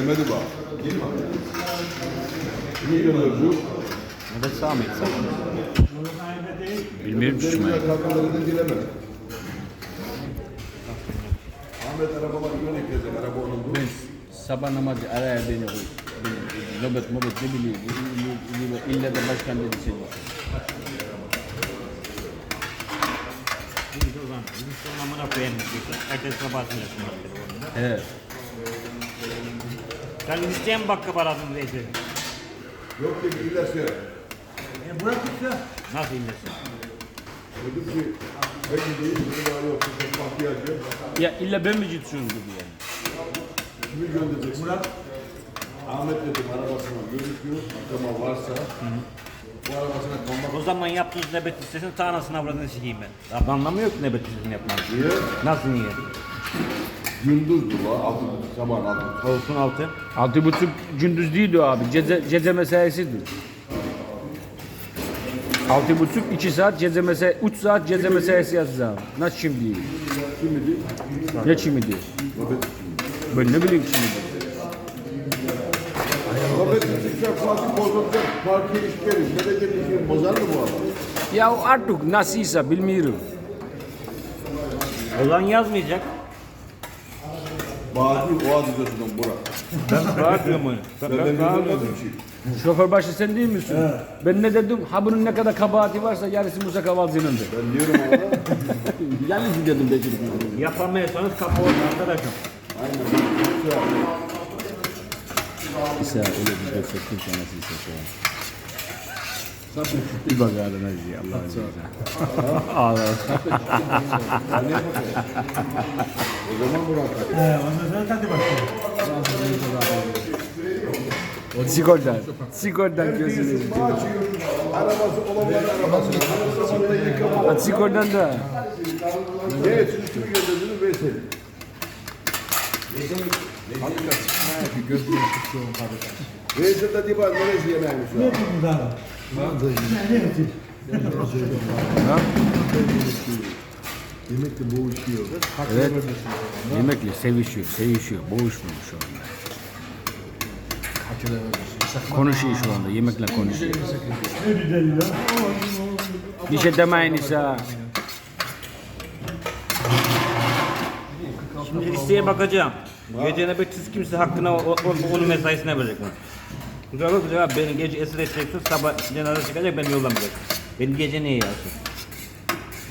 Gelmedi bak. Kimi gönderiyor? Evet Sami. Bilmiyorum düşmeyi. Kalkaları da dilemedi. Ahmet arabalar yöne gelecek. Araba onun bu. Ben sabah namazı araya beni koy. Nöbet ne bileyim. İlle de başkan dedi seni. Biz o zaman bizim sonuna koyalım. Ertesi sabahsını yapın. He. Sen isteyen bakka paradın Recep. Yok dedi ilerse. Bırakırsa Nasıl inlesin? Dedim ki peki değil. Bunu daha yok. Çok ihtiyacı yok. Ya illa ben mi ciddiyorum dedi yani. Kimi göndereceksin? Murat. Ahmet dedim arabasına gözüküyor. Ama varsa. Bu arabasına konmak. O zaman yaptığınız nöbet listesini ta anasını avradını sikeyim ben. Abi anlamıyor ki nöbet listesini yapmak. Niye? Nasıl niye? Gündüzdü la. Altı, sabahın altı. Olsun altı. 6.30 gündüz değildi o abi. Ceze mesaisidir. 6.30 2 saat ceze mesai 3 saat ceze mesaisi yazacağım. Nasıl şimdi? Kimidi? Ne şimdi? Nöbet. Ben ne bileyim şimdi. Nöbet tutacak, Fatih bozulacak. Partiye iş gelir. Gelecek işi bozar mı bu adam? Ya artık nasılsa bilmiyorum. O zaman yazmayacak. Bağcı o adı gözünden Burak. Ben bırakmıyorum onu. Ben bilmedim ki. Şoför başı sen değil misin? Ben ne dedim? Ha bunun ne kadar kabahati varsa yarısı Musa Kavalcı'nındır. Ben diyorum ona. Yarısı dedim Bekir. Yapamıyorsanız kapı orada arkadaşım. İsa öyle bir de çektim sana İsa. Bir bak ağrına diye Allah'ın izniyle. Ağlar. O zaman Burak. ondan sonra hadi başlayalım. Sigordan gözünü. Arabası olanların arabası. Aynı zamanda yıkama. Sigordan da. Evet, siz kimi gönderdiğini Veysel. Veysel de diba neresi yemeğimiz Ne var? yapayım daha? Ne yapayım? Yemek de boğuşuyor. Evet. Yemekle sevişiyor. Boğuşmuyor şu anda. Konuşuyor şu anda, yemekle konuşuyor. Ne güzel ya. Bir şey demeyin İsa. Şimdi listeye bakacağım. Gece nöbetsiz kimse hakkına onun mesaisine verecek. Güzel olur güzel abi beni gece esir edeceksin sabah cenaze çıkacak beni yollamayacak. Beni gece niye yazsın?